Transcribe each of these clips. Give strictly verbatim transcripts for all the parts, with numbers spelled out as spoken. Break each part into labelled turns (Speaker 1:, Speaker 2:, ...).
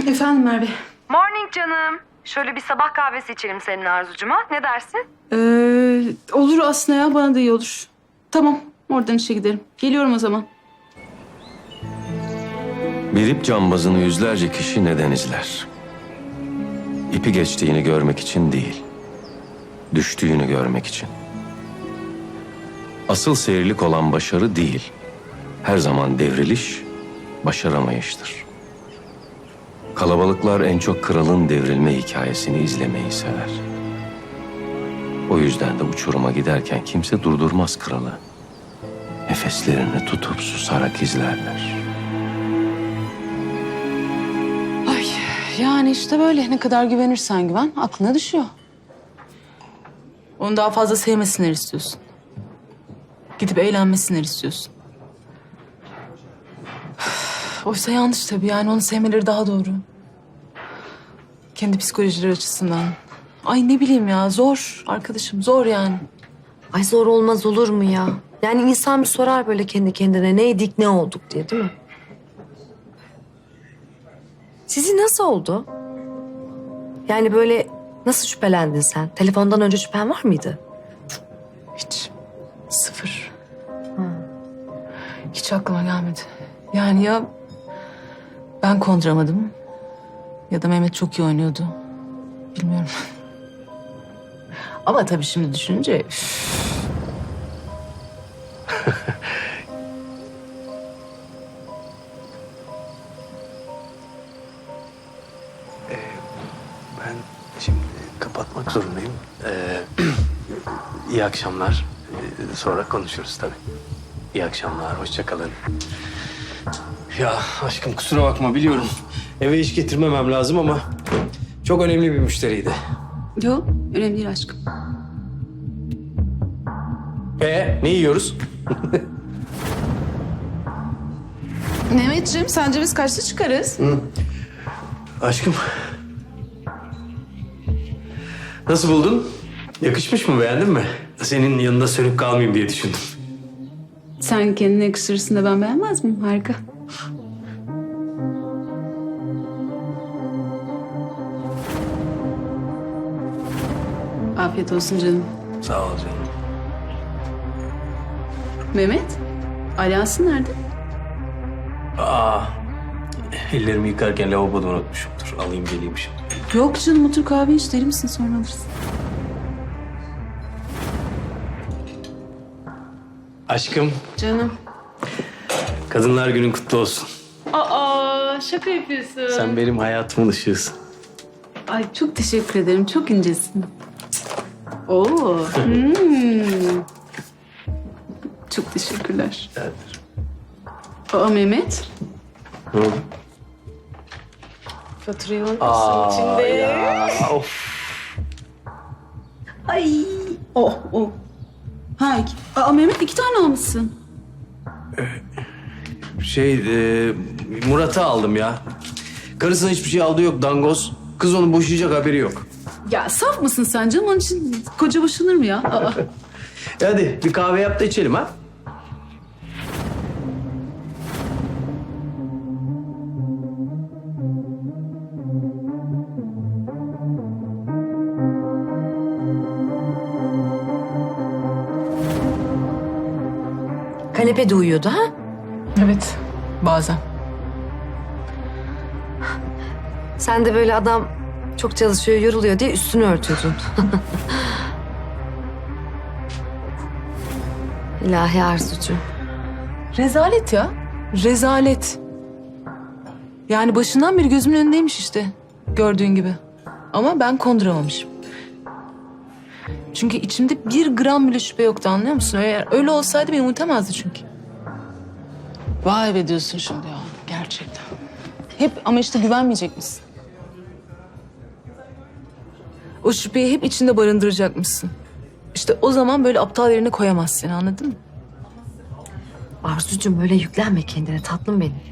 Speaker 1: Efendim Merve.
Speaker 2: Morning canım. Şöyle bir sabah kahvesi içelim senin Arzucuma. Ne dersin?
Speaker 1: Ee, olur aslında ya, bana da iyi olur. Tamam, oradan işe giderim. Geliyorum o zaman.
Speaker 3: Bir ip cambazını yüzlerce kişi neden izler? İpi geçtiğini görmek için değil, düştüğünü görmek için. Asıl seyirlik olan başarı değil, her zaman devriliş, başaramayıştır. Kalabalıklar en çok kralın devrilme hikayesini izlemeyi sever. O yüzden de uçuruma giderken kimse durdurmaz kralı. Nefeslerini tutup susarak izlerler.
Speaker 1: Ay yani işte böyle, ne kadar güvenirsen güven aklına düşüyor. Onu daha fazla sevmesinler istiyorsun. Gidip eğlenmesinler istiyorsun. Oysa yanlış tabii, yani onu sevmeleri daha doğru. Kendi psikolojileri açısından. Ay ne bileyim ya, zor arkadaşım, zor yani.
Speaker 4: Ay zor olmaz olur mu ya? Yani insan bir sorar böyle kendi kendine neydik ne olduk diye, değil mi? Sizi nasıl oldu? Yani böyle nasıl şüphelendin sen? Telefondan önce şüphen var mıydı?
Speaker 1: Hiç. Sıfır. Hiç aklıma gelmedi. Yani ya ben konduramadım ya da Mehmet çok iyi oynuyordu. Bilmiyorum. Ama tabii şimdi düşününce... üf.
Speaker 5: Ben şimdi kapatmak zorundayım. Ee, iyi akşamlar. Ee, sonra konuşuruz tabii. İyi akşamlar, hoşça kalın. Ya aşkım kusura bakma, biliyorum. Eve iş getirmemem lazım ama çok önemli bir müşteriydi.
Speaker 1: Yok, önemli değil aşkım.
Speaker 5: Ee, ne yiyoruz?
Speaker 1: Mehmetciğim, sence biz kaçta çıkarız?
Speaker 5: Aşkım. Nasıl buldun? Yakışmış mı, beğendin mi? Senin yanında sönüp kalmayayım diye düşündüm.
Speaker 1: Sen kendine yakıştırırsın da ben beğenmez miyim? Harika. Afiyet olsun canım.
Speaker 5: Sağ ol canım.
Speaker 1: Mehmet, alyansın nerede?
Speaker 5: Aa, ellerimi yıkarken lavaboda unutmuşumdur. Alayım geleyim şimdi.
Speaker 1: Yok canım, otur kahve iç, deli misin, sonra alırsın.
Speaker 5: Aşkım,
Speaker 1: Canım.
Speaker 5: Kadınlar Günün kutlu olsun.
Speaker 1: Aa, şaka yapıyorsun.
Speaker 5: Sen benim hayatımın ışığısın.
Speaker 1: Ay çok teşekkür ederim, çok incesin. Oo. hmm. Çok teşekkürler.
Speaker 5: Evet.
Speaker 1: Aa Mehmet.
Speaker 5: Ne oldu?
Speaker 1: Faturayı alır
Speaker 5: Aa,
Speaker 1: mısın içinde?
Speaker 5: ya, of.
Speaker 1: Ay. Oh oh. Ha, iki- Aa Mehmet, iki tane almışsın.
Speaker 5: Şey, e, Murat'ı aldım ya. Karısına hiçbir şey aldığı yok, dangoz. Kız onu boşayacak, haberi yok.
Speaker 1: Ya saf mısın sen canım? Onun için koca boşanır mı ya? Aa.
Speaker 5: E hadi bir kahve yap da içelim ha.
Speaker 4: Kanepede uyuyordu ha?
Speaker 1: Evet, bazen.
Speaker 4: Sen de böyle adam çok çalışıyor, yoruluyor diye üstünü örtüyordun. İlahi Arzucuğum.
Speaker 1: Rezalet ya. Rezalet. Yani başından beri gözümün önündeymiş işte. Gördüğün gibi. Ama ben konduramamışım. Çünkü içimde bir gram bile şüphe yoktu, anlıyor musun? Eğer öyle olsaydı beni unutamazdı çünkü. Vay be diyorsun şimdi ya. Gerçekten. Hep ama işte güvenmeyecek misin? O şüpheyi hep içinde barındıracakmışsın. İşte o zaman böyle aptal yerine koyamaz seni, anladın mı?
Speaker 4: Arzucuğum öyle yüklenme kendine tatlım benim.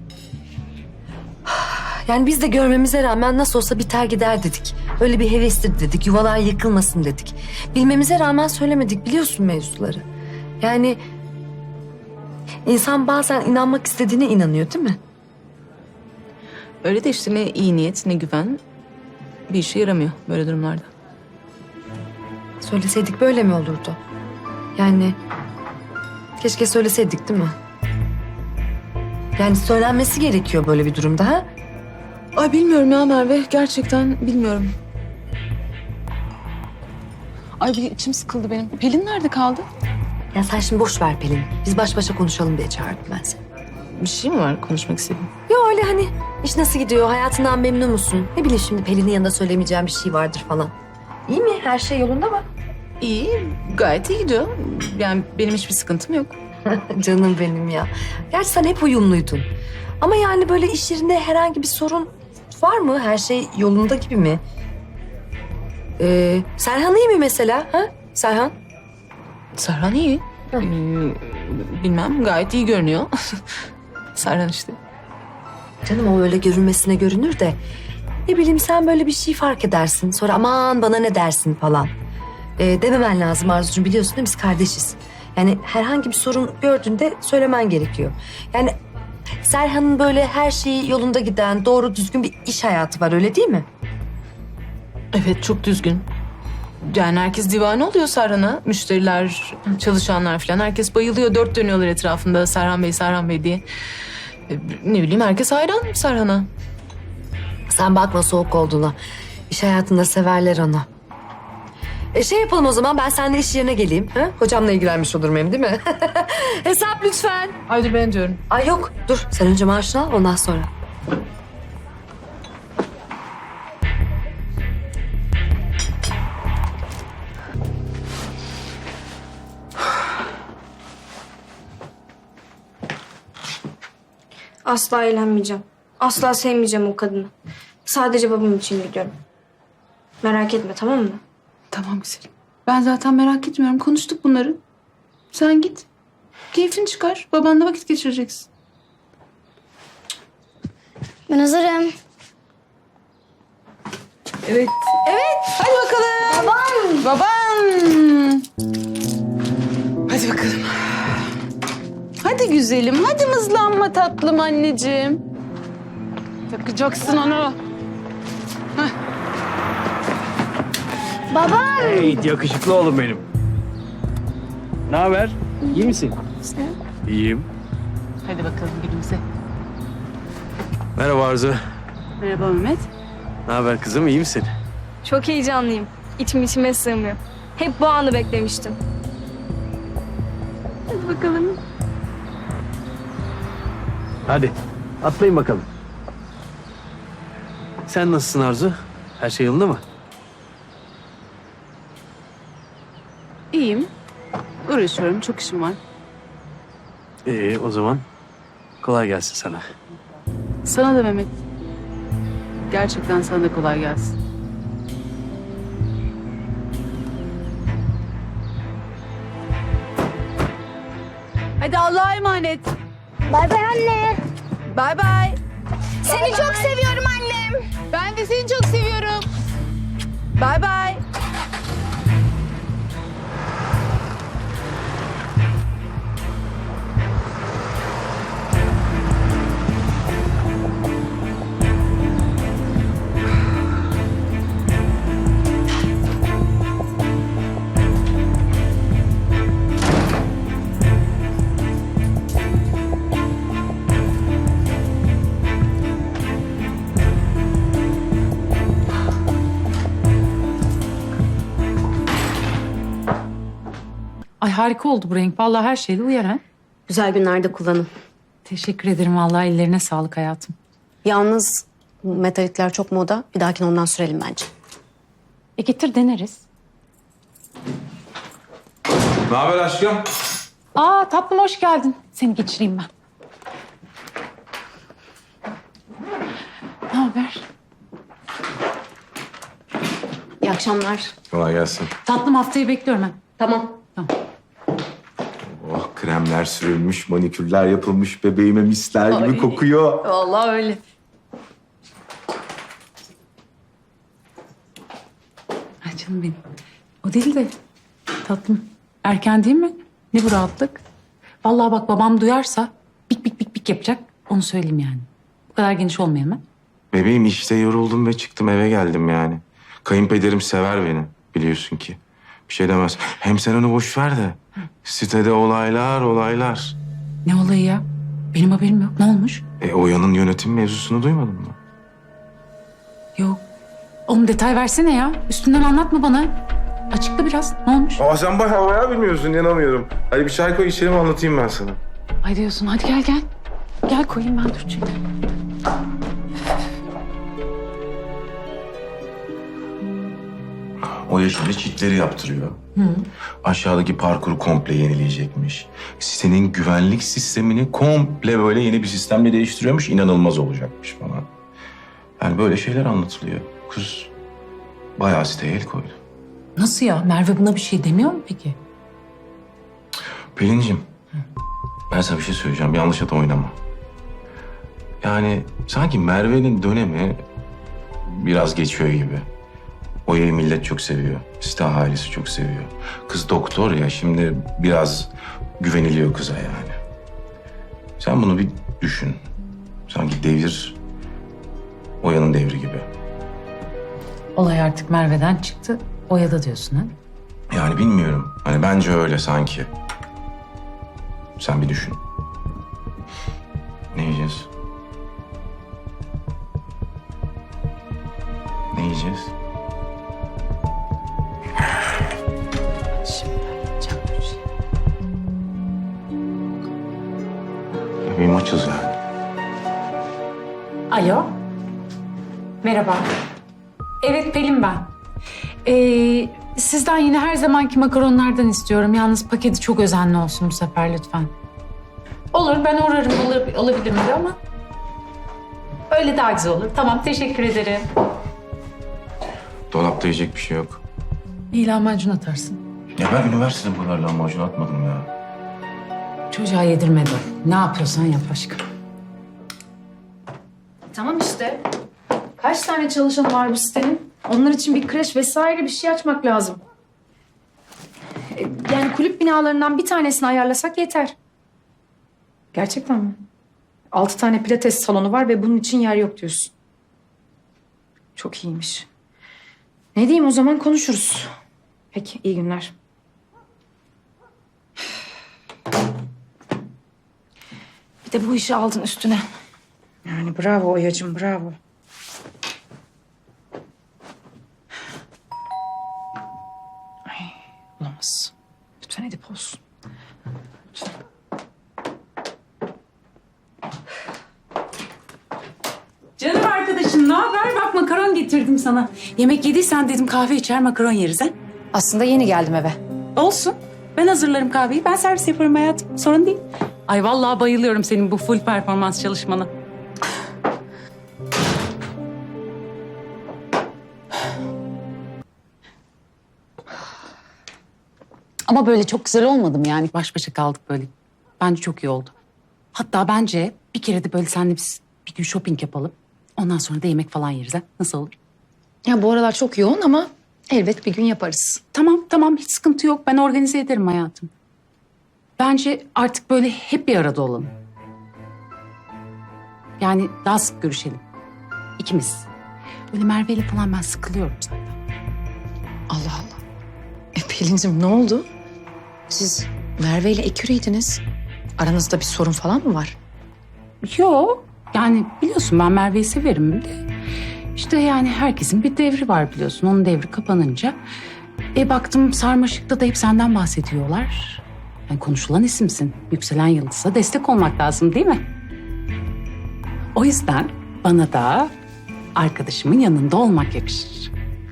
Speaker 4: Yani biz de görmemize rağmen nasıl olsa biter gider dedik. Öyle bir hevestir dedik, yuvalar yıkılmasın dedik. Bilmemize rağmen söylemedik, biliyorsun mevzuları. Yani insan bazen inanmak istediğine inanıyor, değil mi?
Speaker 1: Öyle de işte ne iyi niyet ne güven bir işe yaramıyor böyle durumlarda.
Speaker 4: Söyleseydik böyle mi olurdu? Yani keşke söyleseydik değil mi? Yani söylenmesi gerekiyor böyle bir durumda ha?
Speaker 1: Ay bilmiyorum ya Merve. Gerçekten bilmiyorum. Ay bir içim sıkıldı benim. Pelin nerede kaldı?
Speaker 4: Ya sen şimdi boş ver Pelin. Biz baş başa konuşalım diye çağırdım ben seni.
Speaker 1: Bir şey mi var konuşmak istediğin?
Speaker 4: Ya öyle hani iş nasıl gidiyor? Hayatından memnun musun? Ne bileyim şimdi Pelin'in yanında söylemeyeceğim bir şey vardır falan. İyi mi? Her şey yolunda mı?
Speaker 1: İyi, gayet iyi gidiyor. Yani benim hiçbir sıkıntım yok.
Speaker 4: Canım benim ya. Gerçi sen hep uyumluydun. Ama yani böyle iş yerinde herhangi bir sorun var mı? Her şey yolunda gibi mi? Ee, Serhan iyi mi mesela? Ha? Serhan?
Speaker 1: Serhan iyi.
Speaker 4: Hı.
Speaker 1: Ee, bilmem, gayet iyi görünüyor. Serhan işte.
Speaker 4: Canım o öyle görünmesine görünür de... Ne bileyim sen böyle bir şey fark edersin. Sonra aman bana ne dersin falan. Ee, dememen lazım Arzucuğum, biliyorsun değil mi? Biz kardeşiz. Yani herhangi bir sorun gördüğünde söylemen gerekiyor. Yani Serhan'ın böyle her şeyi yolunda giden, doğru düzgün bir iş hayatı var, öyle değil mi?
Speaker 1: Evet, çok düzgün. Yani herkes divane oluyor Serhan'a. Müşteriler, çalışanlar falan. Herkes bayılıyor. Dört dönüyorlar etrafında Serhan Bey, Serhan Bey diye. Ee, ne bileyim, herkes hayran Serhan'a.
Speaker 4: Sen bakma soğuk olduğuna. İş hayatında severler onu. E şey yapalım o zaman, ben seninle iş yerine geleyim. Ha? Hocamla ilgilenmiş olurum hem, değil mi? Hesap lütfen.
Speaker 1: Ay dur ben diyorum.
Speaker 4: Ay yok dur, sen önce maaşını al ondan sonra.
Speaker 6: Asla eğlenmeyeceğim. Asla sevmeyeceğim o kadını. Sadece babam için gidiyorum. Merak etme, tamam mı?
Speaker 1: Tamam güzelim. Ben zaten merak etmiyorum. Konuştuk bunları. Sen git. Keyfini çıkar. Babanla vakit geçireceksin.
Speaker 6: Ben hazırım.
Speaker 1: Evet. Evet. Hadi bakalım. Baban. Baban. Hadi bakalım. Hadi güzelim. Hadi mızlanma tatlım anneciğim. Takacaksın onu.
Speaker 5: Hey yakışıklı oğlum benim. Ne haber? İyi misin? İyiyim.
Speaker 1: Hadi bakalım gülümse.
Speaker 5: Merhaba Arzu.
Speaker 7: Merhaba Mehmet.
Speaker 5: Ne haber kızım, iyi misin?
Speaker 6: Çok heyecanlıyım. İçim içime sığmıyor. Hep bu anı beklemiştim.
Speaker 7: Hadi bakalım.
Speaker 5: Hadi atlayın bakalım. Sen nasılsın Arzu? Her şey yolunda mı?
Speaker 7: İyiyim. Uğraşıyorum. Çok işim var.
Speaker 5: İyi o zaman kolay gelsin sana.
Speaker 7: Sana da Mehmet. Gerçekten sana da kolay gelsin. Hadi Allah'a emanet.
Speaker 6: Bay bay anne.
Speaker 7: Bay bay.
Speaker 6: Seni çok seviyorum annem.
Speaker 7: Ben de seni çok seviyorum. Bay bay.
Speaker 8: Ay harika oldu bu renk. Vallahi her şeyde uyar ha.
Speaker 9: Güzel günlerde kullanın.
Speaker 8: Teşekkür ederim vallahi, ellerine sağlık hayatım.
Speaker 9: Yalnız bu metalikler çok moda. Bir dahakine ondan sürelim bence.
Speaker 8: E getir deneriz.
Speaker 10: Ne haber aşkım?
Speaker 8: Aa tatlım hoş geldin. Seni geçireyim ben. Ne haber?
Speaker 9: İyi akşamlar.
Speaker 10: Kolay gelsin.
Speaker 8: Tatlım haftayı bekliyorum ben.
Speaker 9: Tamam.
Speaker 10: Oh, kremler sürülmüş, manikürler yapılmış, bebeğime misler gibi
Speaker 9: Ay.
Speaker 10: kokuyor.
Speaker 9: Vallahi öyle.
Speaker 8: Ay canım benim. O değil de tatlım. Erken değil mi? Ne bu rahatlık? Vallahi bak babam duyarsa bik bik bik bik yapacak. Onu söyleyeyim yani. Bu kadar geniş olmayayım ben.
Speaker 10: Bebeğim işte yoruldum ve çıktım eve geldim yani. Kayınpederim sever beni biliyorsun ki. Bir şey demez. Hem sen onu boş ver de. Sitede olaylar olaylar.
Speaker 8: Ne olayı ya? Benim haberim yok. Ne olmuş?
Speaker 10: E Oya'nın yönetim mevzusunu duymadın mı?
Speaker 8: Yok. Oğlum detay versene ya. Üstünden anlatma bana. Açıkla biraz. Ne olmuş?
Speaker 10: Aa sen bayağı bayağı bilmiyorsun inanamıyorum. Hadi bir çay koy içelim anlatayım ben sana.
Speaker 8: Ay diyorsun. Hadi gel gel. Gel koyayım ben dur çünkü.
Speaker 10: Oya şimdi çitleri yaptırıyor. Aşağıdaki parkuru komple yenileyecekmiş. Sitenin güvenlik sistemini komple böyle yeni bir sistemle değiştiriyormuş. İnanılmaz olacakmış falan. Yani böyle şeyler anlatılıyor. Kız bayağı siteye el koydu.
Speaker 8: Nasıl ya? Merve buna bir şey demiyor mu peki?
Speaker 10: Pelin'cim ben sana bir şey söyleyeceğim. Yanlış at oynama. Yani sanki Merve'nin dönemi biraz geçiyor gibi. Oya'yı millet çok seviyor. Site ailesi çok seviyor. Kız doktor ya şimdi biraz güveniliyor kıza yani. Sen bunu bir düşün. Sanki devir Oya'nın devri gibi.
Speaker 8: Olay artık Merve'den çıktı. Oya'da diyorsun ha?
Speaker 10: Yani bilmiyorum. Hani bence öyle sanki. Sen bir düşün. Ne yiyeceğiz? Ne yiyeceğiz?
Speaker 8: Şimdi yapacağım bir şey.
Speaker 10: Bebeğim açız yani.
Speaker 8: Alo. Merhaba. Evet Pelin ben. Ee, sizden yine her zamanki makaronlardan istiyorum. Yalnız paketi çok özenli olsun bu sefer lütfen. Olur ben uğrarım olur, olabilir mi ama öyle daha güzel olur. Tamam teşekkür ederim.
Speaker 10: Dolapta yiyecek bir şey yok.
Speaker 8: İyi lahmacun atarsın.
Speaker 10: Ya ben üniversitede bu kadar lahmacun atmadım ya.
Speaker 8: Çocuğa yedirmedi. Ne yapıyorsan yap aşkım.
Speaker 11: Tamam işte. Kaç tane çalışan var bu sitenin? Onlar için bir kreş vesaire bir şey açmak lazım. E, Yani kulüp binalarından bir tanesini ayarlasak yeter. Gerçekten mi? Altı tane pilates salonu var ve bunun için yer yok diyorsun. Çok iyiymiş. Ne diyeyim o zaman konuşuruz. Peki iyi günler. Bir de bu işi aldın üstüne. Yani bravo Oya'cığım bravo. Ay, olamaz. Lütfen Edip olsun. Lütfen.
Speaker 8: Canım arkadaşım ne haber? Bak makaron getirdim sana. Yemek yediysen dedim kahve içer makaron yeriz ha.
Speaker 11: Aslında yeni geldim eve.
Speaker 8: Olsun. Ben hazırlarım kahveyi. Ben servis yaparım hayatım. Sorun değil. Ay vallahi bayılıyorum senin bu full performans çalışmana. Ama böyle çok güzel olmadı mı yani? Baş başa kaldık böyle. Bence çok iyi oldu. Hatta bence bir kere de böyle seninle biz bir gün shopping yapalım. Ondan sonra da yemek falan yeriz ha. Nasıl olur?
Speaker 11: Ya bu aralar çok yoğun ama elbet bir gün yaparız.
Speaker 8: Tamam tamam hiç sıkıntı yok. Ben organize ederim hayatım. Bence artık böyle hep bir arada olalım. Yani daha sık görüşelim. İkimiz. Böyle Merve ile falan ben sıkılıyorum zaten.
Speaker 11: Allah Allah. E Pelin'cim ne oldu? Siz Merve ile eküriydiniz. Aranızda bir sorun falan mı var?
Speaker 8: Yok. Yani biliyorsun ben Merve'yi severim de. İşte yani herkesin bir devri var biliyorsun. Onun devri kapanınca. E baktım Sarmaşık'ta da hep senden bahsediyorlar. Yani konuşulan isimsin. Yükselen yıldız'a destek olmak lazım değil mi? O yüzden bana da arkadaşımın yanında olmak yakışır.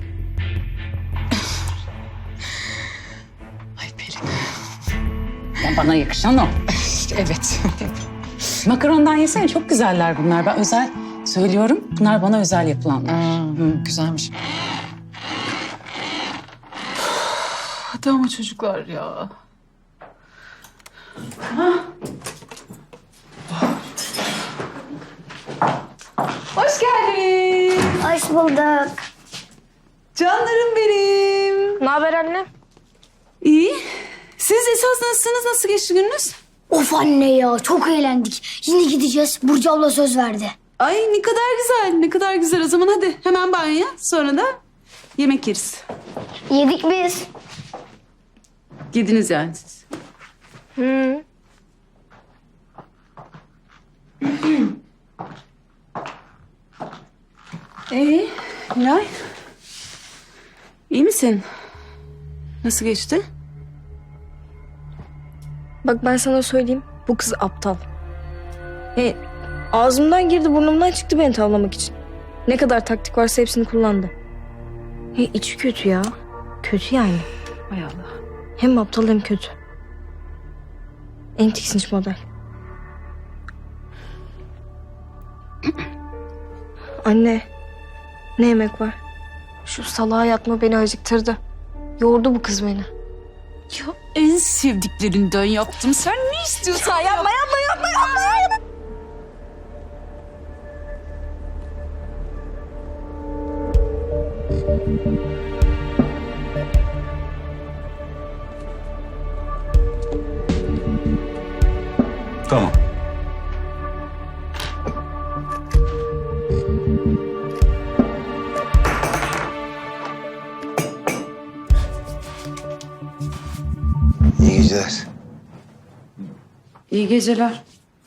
Speaker 11: Ay Pelin.
Speaker 8: Ya bana yakışan o.
Speaker 11: Evet.
Speaker 8: Makarondan yesene çok güzeller bunlar. Ben özel söylüyorum. Bunlar bana özel yapılanlar.
Speaker 11: Hmm, güzelmiş.
Speaker 1: Hadi ama çocuklar ya.
Speaker 11: Hoş geldin.
Speaker 6: Hoş bulduk.
Speaker 11: Canlarım benim.
Speaker 6: Ne haber anne?
Speaker 11: İyi. Siz esas nasılsınız? Nasıl geçti gününüz?
Speaker 6: Of anne ya çok eğlendik. Yine gideceğiz. Burcu abla söz verdi.
Speaker 7: Ay ne kadar güzel, ne kadar güzel. O zaman hadi hemen banyoya, sonra da yemek yeriz.
Speaker 6: Yedik biz.
Speaker 7: Yediniz yani siz.
Speaker 6: Hı.
Speaker 7: Ee, Nilay? İyi misin? Nasıl geçti?
Speaker 6: Bak ben sana söyleyeyim. Bu kız aptal. E, ağzımdan girdi burnumdan çıktı beni tavlamak için. Ne kadar taktik varsa hepsini kullandı. E, içi kötü ya. Kötü yani.
Speaker 7: Hay Allah.
Speaker 6: Hem aptal hem kötü. En tiksinç model. Anne. Ne yemek var? Şu salağa yatma beni acıktırdı. Yordu bu kız beni.
Speaker 7: Ya en sevdiklerinden yaptım. Sen ne istiyorsan yapma, yapma, yapma, yapma, yapma.
Speaker 3: Tamam.
Speaker 12: İyi geceler.
Speaker 8: İyi geceler.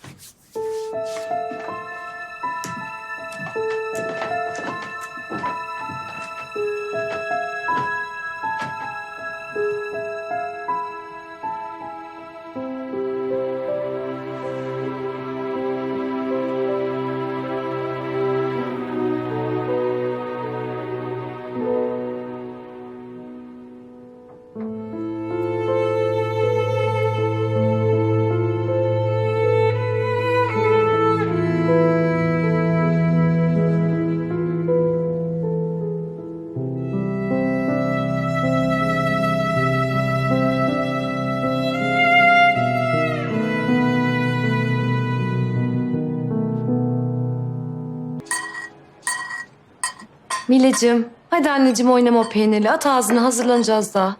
Speaker 4: Mileciğim, hadi anneciğim oynama o peynirli. At ağzına, hazırlanacağız daha.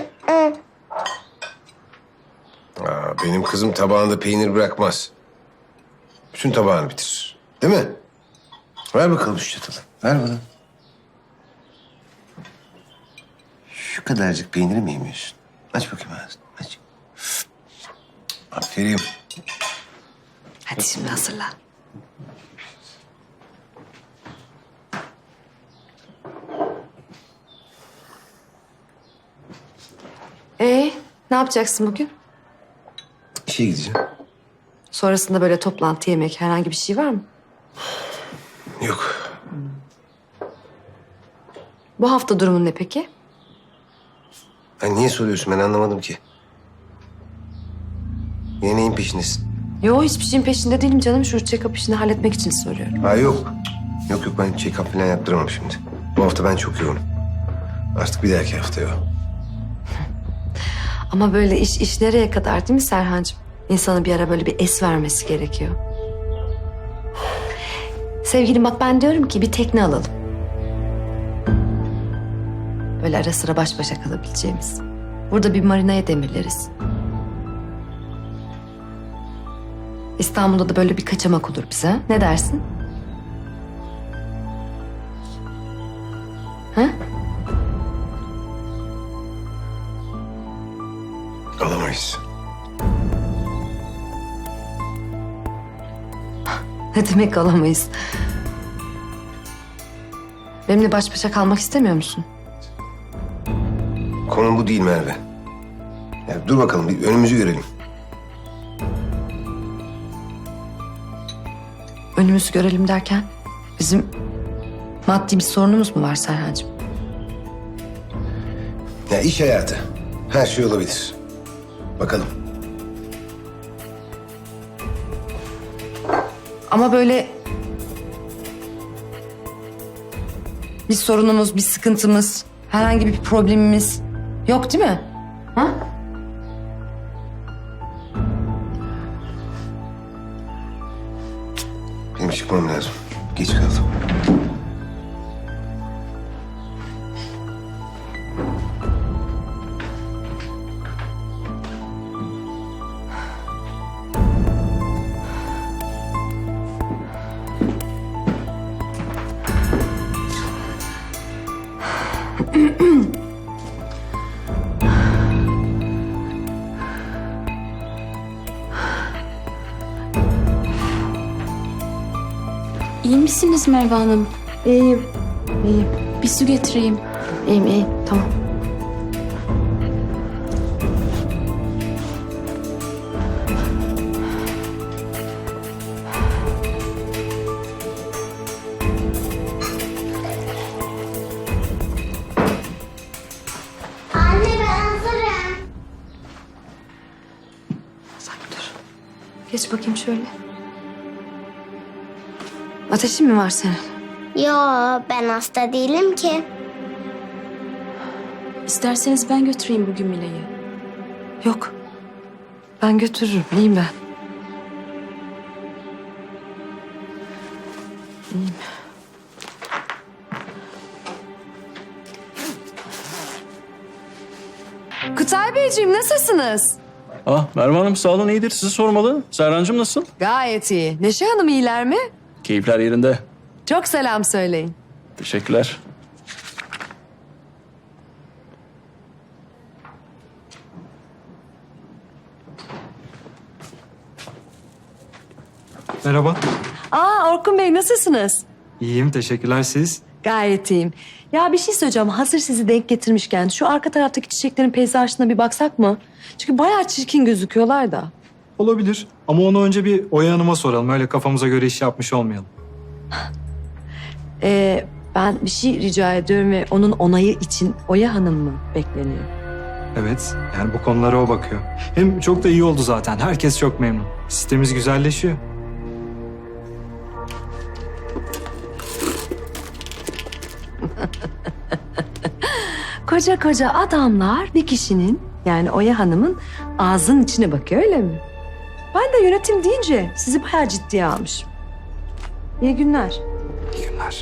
Speaker 12: Aa, benim kızım tabağında peynir bırakmaz. Bütün tabağını bitirir. Değil mi? Ver bakalım şu çatalı. Ver bana. Şu kadarcık peyniri mi yemiyorsun? Aç bakayım ağzını. Aç. Aferin.
Speaker 4: Hadi şimdi hazırlan. Ee, ne yapacaksın bugün?
Speaker 12: İşe gideceğim.
Speaker 4: Sonrasında böyle toplantı, yemek, herhangi bir şey var mı?
Speaker 12: Yok.
Speaker 4: Bu hafta durumun ne peki?
Speaker 12: Ay niye soruyorsun? Ben anlamadım ki. Yine neyin peşindesin?
Speaker 4: Yo, hiçbir şeyin peşinde değilim canım. Şu check-up işini halletmek için soruyorum.
Speaker 12: Ha yok. Yok yok ben check-up falan yaptıramam şimdi. Bu hafta ben çok yoğunum. Artık bir dahaki hafta yok.
Speaker 4: Ama böyle iş iş nereye kadar değil mi Serhancığım? İnsanın bir ara böyle bir es vermesi gerekiyor. Sevgilim bak ben diyorum ki bir tekne alalım. Böyle ara sıra baş başa kalabileceğimiz. Burada bir marinaya demirleriz. İstanbul'da da böyle bir kaçamak olur bize. Ne dersin? Ha?
Speaker 12: Alamayız.
Speaker 4: Ne demek alamayız? Benimle baş başa kalmak istemiyor musun?
Speaker 12: Konu bu değil Merve. Ya dur bakalım bir önümüzü görelim.
Speaker 4: Önümüzü görelim derken bizim maddi bir sorunumuz mu var Serhancığım?
Speaker 12: Ya iş hayatı. Her şey olabilir. Bakalım.
Speaker 4: Ama böyle bir sorunumuz, bir sıkıntımız, herhangi bir problemimiz yok değil mi? Ha?
Speaker 12: Benim çıkmam lazım. Geç kaldım.
Speaker 9: İyi misiniz Merve Hanım?
Speaker 4: İyiyim. İyiyim.
Speaker 9: Bir su getireyim.
Speaker 4: İyiyim iyiyim. Tamam.
Speaker 13: Anne ben hazırım.
Speaker 4: Sen dur. Geç bakayım şöyle. Ateşin mi var senin?
Speaker 13: Yo ben hasta değilim ki.
Speaker 9: İsterseniz ben götüreyim bugün Mile'yi.
Speaker 4: Yok. Ben götürürüm. İyiyim ben. İyiyim. Kutay Beyciğim nasılsınız?
Speaker 14: Ah Merve Hanım sağ olun iyidir. Sizi sormalı. Serhancığım nasıl?
Speaker 4: Gayet iyi. Neşe Hanım iyiler mi?
Speaker 14: Keyifler yerinde.
Speaker 4: Çok selam söyleyin.
Speaker 14: Teşekkürler.
Speaker 15: Merhaba.
Speaker 4: Aa Orkun Bey nasılsınız?
Speaker 15: İyiyim, teşekkürler siz.
Speaker 4: Gayet iyiyim. Ya bir şey söyleyeceğim. Hazır sizi denk getirmişken şu arka taraftaki çiçeklerin peyzajına bir baksak mı? Çünkü bayağı çirkin gözüküyorlar da.
Speaker 15: Olabilir ama onu önce bir Oya Hanım'a soralım. Öyle kafamıza göre iş yapmış olmayalım.
Speaker 4: Ee, ben bir şey rica ediyorum ve onun onayı için Oya Hanım mı bekleniyor?
Speaker 15: Evet, yani bu konulara o bakıyor. Hem çok da iyi oldu zaten. Herkes çok memnun. Sistemimiz güzelleşiyor.
Speaker 4: Koca koca adamlar bir kişinin yani Oya Hanım'ın ağzının içine bakıyor öyle mi? Ben de yönetim deyince sizi bayağı ciddiye almışım. İyi günler.
Speaker 15: İyi günler.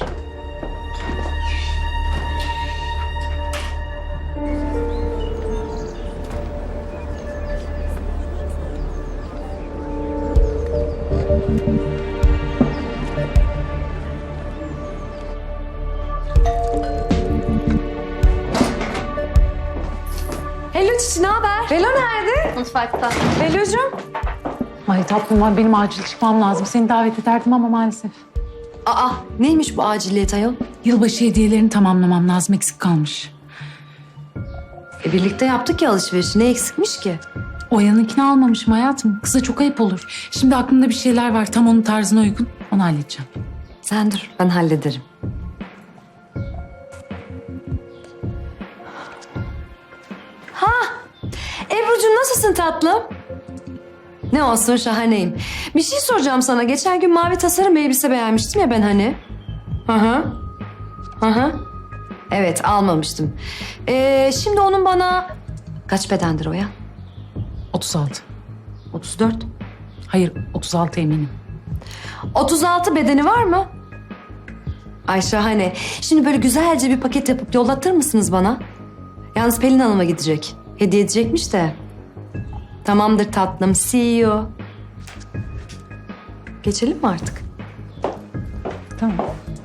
Speaker 4: Hello Çiçi ne haber? Hello nerede?
Speaker 9: Mutfakta.
Speaker 4: Hello'cum.
Speaker 8: Ay tatlım var benim acil çıkmam lazım. Seni davet ederdim ama maalesef.
Speaker 4: Aa neymiş bu aciliyet ayol?
Speaker 8: Yılbaşı hediyelerini tamamlamam lazım, eksik kalmış.
Speaker 4: E, birlikte yaptık ya alışverişi. Ne eksikmiş ki?
Speaker 8: Oya'nınkini almamışım hayatım. Kıza çok ayıp olur. Şimdi aklımda bir şeyler var tam onun tarzına uygun. Onu halledeceğim.
Speaker 4: Sen dur ben hallederim. Ha! Ebru'cum nasılsın tatlım? Ne olsun şahaneyim. Bir şey soracağım sana. Geçen gün mavi tasarım elbise beğenmiştim ya ben hani. Hı hı. Hı hı. Evet almamıştım. Ee, şimdi onun bana... Kaç bedendir o ya?
Speaker 8: otuz altı.
Speaker 4: otuz dört.
Speaker 8: Hayır otuz altı eminim.
Speaker 4: otuz altı bedeni var mı? Ay şahane. Şimdi böyle güzelce bir paket yapıp yollatır mısınız bana? Yalnız Pelin Hanım'a gidecek. Hediye edecekmiş de. Tamamdır tatlım. See you. Geçelim mi artık?
Speaker 8: Tamam.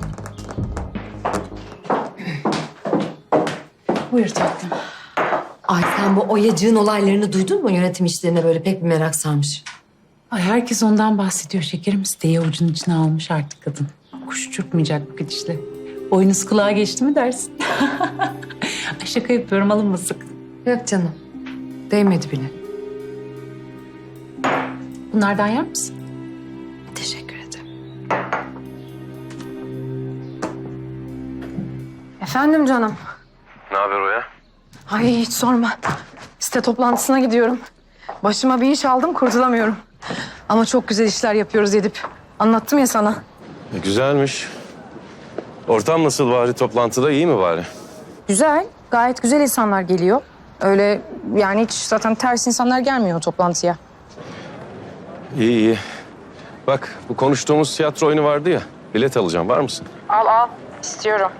Speaker 8: Buyur tatlım.
Speaker 4: Ay sen bu Oyacığın olaylarını duydun mu? Yönetim işlerine böyle pek bir merak sarmış.
Speaker 8: Ay herkes ondan bahsediyor şekerim. Siteyi avucunun içine almış artık kadın. Kuş uçurtmayacak bu gidişle. Boynuz kulağa geçti mi dersin? Ay şaka yapıyorum alınmasın.
Speaker 4: Yok canım. Değmedi bile.
Speaker 8: Bunlardan yer misin?
Speaker 4: Teşekkür ederim.
Speaker 11: Efendim canım.
Speaker 3: Ne haber Oya?
Speaker 11: Ay hiç sorma. Site toplantısına gidiyorum. Başıma bir iş aldım kurtulamıyorum. Ama çok güzel işler yapıyoruz Edip. Anlattım ya sana.
Speaker 3: E, güzelmiş. Ortam nasıl bari toplantıda iyi mi bari?
Speaker 11: Güzel. Gayet güzel insanlar geliyor. Öyle yani hiç zaten ters insanlar gelmiyor o toplantıya.
Speaker 3: İyi iyi. Bak bu konuştuğumuz tiyatro oyunu vardı ya. Bilet alacağım var mısın?
Speaker 11: Al al. İstiyorum.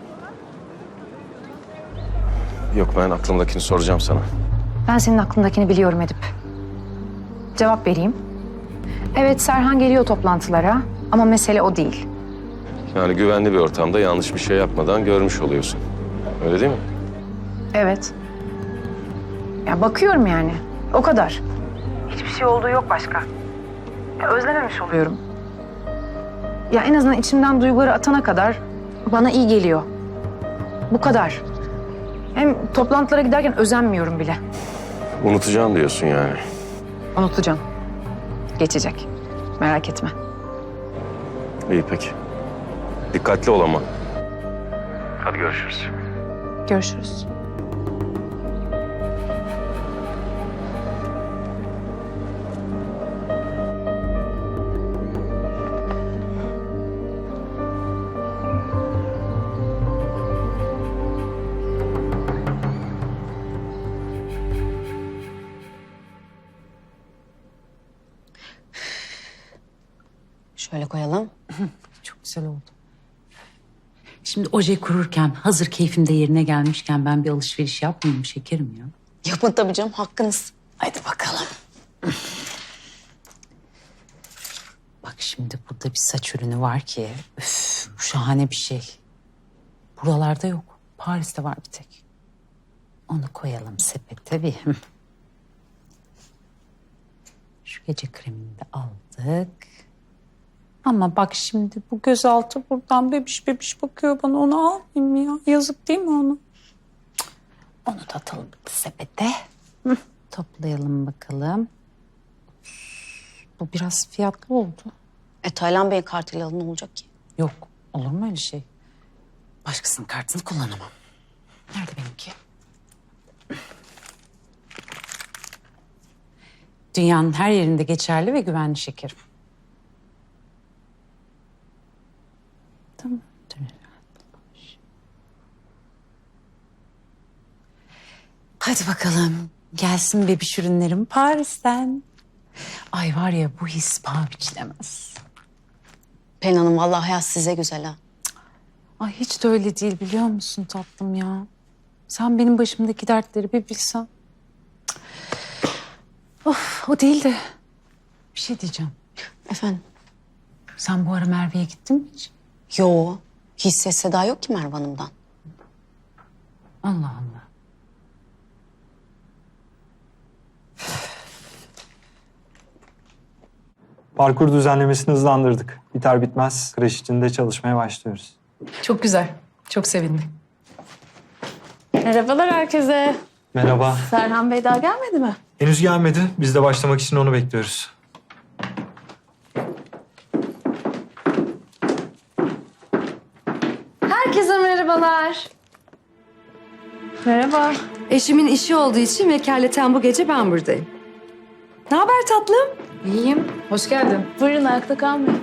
Speaker 3: Yok ben aklımdakini soracağım sana.
Speaker 11: Ben senin aklındakini biliyorum Edip. Cevap vereyim. Evet Serhan geliyor toplantılara ama mesele o değil.
Speaker 3: Yani güvenli bir ortamda yanlış bir şey yapmadan görmüş oluyorsun. Öyle değil mi?
Speaker 11: Evet. Ya bakıyorum yani. O kadar. Hiçbir şey olduğu yok başka. Ya özlememiş oluyorum. ya en azından içimden duyguları atana kadar bana iyi geliyor. Bu kadar. Hem toplantılara giderken özenmiyorum bile.
Speaker 3: Unutacağım diyorsun yani.
Speaker 11: Unutacağım. Geçecek. Merak etme.
Speaker 3: İyi peki. Dikkatli ol ama. Hadi görüşürüz.
Speaker 11: Görüşürüz.
Speaker 9: Şöyle koyalım.
Speaker 8: Çok güzel oldu. Şimdi oje kururken hazır keyfim de yerine gelmişken ben bir alışveriş yapmayayım şekerim ya.
Speaker 9: Yapın tabii canım, hakkınız. Haydi bakalım.
Speaker 8: Bak şimdi burada bir saç ürünü var ki üf, bu şahane bir şey. Buralarda yok. Paris'te var bir tek. Onu koyalım sepete bir. Şu gece kremini de aldık. Ama bak şimdi bu gözaltı buradan bebiş bebiş bakıyor bana. Onu almayayım ya. Yazık değil mi onu? Cık. Onu da atalım sepete. Hı. Toplayalım bakalım. Bu biraz fiyatlı oldu.
Speaker 9: E Taylan Bey'in kartıyla alın, ne olacak ki?
Speaker 8: Yok. Olur mu öyle şey? Başkasının kartını kullanamam. Nerede benimki? Dünyanın her yerinde geçerli ve güvenli şekerim. Tamam. Hadi bakalım. Gelsin bebiş ürünlerim Paris'ten. Ay var ya bu his paha biçilemez.
Speaker 9: Pelin Hanım, vallahi hayat size güzel ha.
Speaker 8: Ay hiç de öyle değil biliyor musun tatlım ya? Sen benim başımdaki dertleri bir bilsen. Of o değil de bir şey diyeceğim.
Speaker 9: Efendim?
Speaker 8: Sen bu ara Merve'ye gittin mi hiç?
Speaker 9: Yo, hiç ses seda yok ki Merve Hanım'dan.
Speaker 8: Allah Allah.
Speaker 15: Parkur düzenlemesini hızlandırdık. Biter bitmez kreş içinde çalışmaya başlıyoruz.
Speaker 11: Çok güzel. Çok sevindim.
Speaker 6: Merhabalar herkese.
Speaker 15: Merhaba.
Speaker 6: Serhan Bey daha gelmedi mi?
Speaker 15: Henüz gelmedi. Biz de başlamak için onu bekliyoruz.
Speaker 4: Herkese merhabalar.
Speaker 6: Merhaba.
Speaker 4: Eşimin işi olduğu için vekaleten bu gece ben buradayım. Ne haber tatlım?
Speaker 11: İyiyim. Hoş geldin.
Speaker 6: Buyurun, ayakta kalmayın.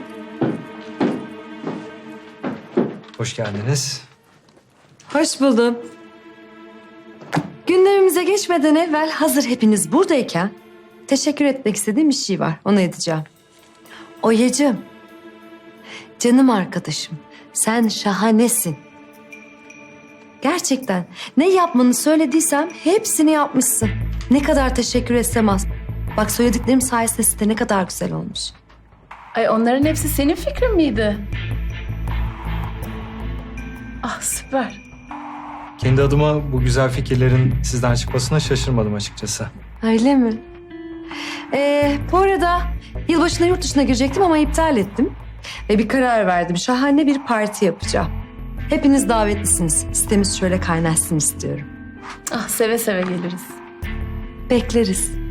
Speaker 15: Hoş geldiniz.
Speaker 4: Hoş buldum. Gündemimize geçmeden evvel hazır hepiniz buradayken teşekkür etmek istediğim bir şey var. Onu edeceğim. Oyacığım, canım arkadaşım, sen şahanesin. Gerçekten ne yapmanı söylediysem hepsini yapmışsın. Ne kadar teşekkür etsem az. Bak söylediklerim sayesinde site ne kadar güzel olmuş.
Speaker 7: Ay onların hepsi senin fikrin miydi? Ah süper.
Speaker 15: Kendi adıma bu güzel fikirlerin sizden çıkmasına şaşırmadım açıkçası.
Speaker 4: Öyle mi? Ee, bu arada yılbaşına yurt dışına girecektim ama iptal ettim. Ve bir karar verdim. Şahane bir parti yapacağım. Hepiniz davetlisiniz. Sitemiz şöyle kaynaşsın istiyorum.
Speaker 7: Ah seve seve geliriz.
Speaker 4: Bekleriz.